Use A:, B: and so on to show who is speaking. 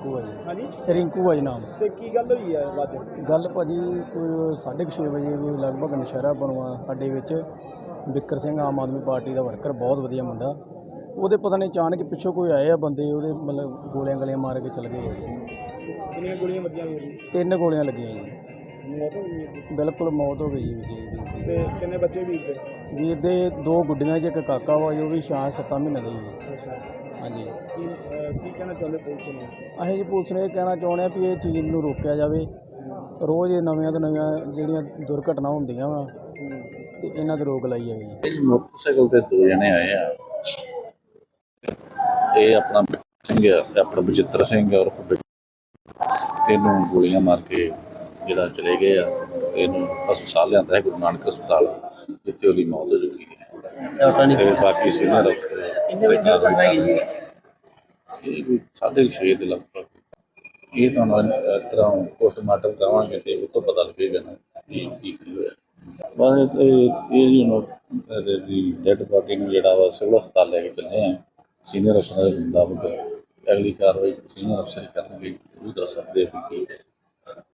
A: ਰਿੰਕੂ ਹੈ ਜੀ।
B: हाँ जी
A: ਰਿੰਕੂ ਹੈ ਜੀ ਨਾਮ।
B: तो की गल हुई है अज?
A: ਗੱਲ ਭਾਜੀ ਕੋਈ 6:30 ਵਜੇ ਕੋਈ ਲਗਭਗ ਨਸ਼ਹਿਰਾ ਬਣਵਾ ਅੱਡੇ ਵਿੱਚ ਬਿੱਕਰ ਸਿੰਘ ਆਮ ਆਦਮੀ ਪਾਰਟੀ ਦਾ ਵਰਕਰ ਬਹੁਤ ਵਧੀਆ ਮੁੰਡਾ, ਉਹਦੇ ਪਤਾ ਨਹੀਂ ਅਚਾਨਕ ਪਿੱਛੋਂ ਕੋਈ ਆਏ ਆ ਬੰਦੇ, ਉਹਦੇ ਮਤਲਬ ਗੋਲੀਆਂ ਗਲੀਆਂ ਮਾਰ ਕੇ ਚਲ ਗਏ ਆ ਜੀ।
B: कितनी गोलियां बजियां हुई?
A: 3 ਗੋਲੀਆਂ ਲੱਗੀਆਂ ਜੀ।
B: मौत हो गई?
A: ਬਿਲਕੁਲ ਮੌਤ ਹੋ ਗਈ ਜੀ ਵੀਰ ਦੀ।
B: ਤੇ ਕਿੰਨੇ ਬੱਚੇ ਵੀਰ ਦੇ?
A: ਵੀਰ ਦੇ 2 ਗੁੱਡੀਆਂ ਜੀ, ਇੱਕ ਕਾਕਾ ਵਾ ਜੋ ਵੀ 6-7 ਮਹੀਨੇ ਦਾ ਜੀ।
B: ਅੱਛਾ
A: ਹਾਂਜੀ।
B: ਕੀ ਕਹਿਣਾ ਚਾਹੁੰਦੇ ਪੁਲਿਸ ਨੂੰ?
A: ਅਸੀਂ ਜੀ ਪੁਲਿਸ ਨੂੰ ਇਹ ਕਹਿਣਾ ਚਾਹੁੰਦੇ ਹਾਂ ਵੀ ਇਹ ਚੀਜ਼ ਨੂੰ ਰੋਕਿਆ ਜਾਵੇ। ਰੋਜ਼ ਇਹ ਨਵੀਆਂ ਤੋਂ ਨਵੀਆਂ ਜਿਹੜੀਆਂ ਦੁਰਘਟਨਾ ਹੁੰਦੀਆਂ ਵਾ ਤੇ ਇਹਨਾਂ ਤੇ ਰੋਕ ਲਾਈ ਜਾਵੇ ਜੀ।
C: ਇਹ ਮੋਟਰਸਾਈਕਲ ਤੇ 2 ਜਣੇ ਆਏ ਆ। ਇਹ ਆਪਣਾ ਸਿੰਘ ਆ, ਆਪਣਾ ਬਚਿੱਤਰ ਸਿੰਘ ਔਰ ਇਹਨੂੰ ਗੋਲੀਆਂ ਮਾਰ ਕੇ ਜਿਹੜਾ ਚਲੇ ਗਏ ਆ। ਇਹਨੂੰ ਹਸਪਤਾਲ ਲਿਆਂਦਾ ਹੈ, ਗੁਰੂ ਨਾਨਕ ਹਸਪਤਾਲ, ਜਿੱਥੇ ਉਹਦੀ ਮੌਤ ਹੋ ਚੁੱਕੀ ਹੈ। ਤੇ ਬਾਕੀ ਸੀਨੀਅਰ ਅਫਸਰ ਇਹ ਕੋਈ 6:30 ਦੇ ਲਗਭਗ। ਇਹ ਤੁਹਾਨੂੰ ਇਸ ਤਰ੍ਹਾਂ ਪੋਸਟਮਾਰਟਮ ਕਰਾਵਾਂਗੇ ਤੇ ਉਹ ਤੋਂ ਪਤਾ ਲੱਗੇਗਾ ਨਾ ਕੀ ਹੋਇਆ। ਬਸ ਇਹ ਦੀ ਡੈਡ ਬਾਡੀ ਨੂੰ ਜਿਹੜਾ ਵਾ ਸਿਵਲ ਹਸਪਤਾਲ ਲੈ ਕੇ ਚੱਲੇ ਆ। ਸੀਨੀਅਰ ਅਫਸਰ ਦੇ ਮੁਤਾਬਕ ਅਗਲੀ ਕਾਰਵਾਈ ਸੀਨੀਅਰ ਅਫਸਰ ਕਰਨਗੇ, ਉਹ ਦੱਸ ਸਕਦੇ ਕਿ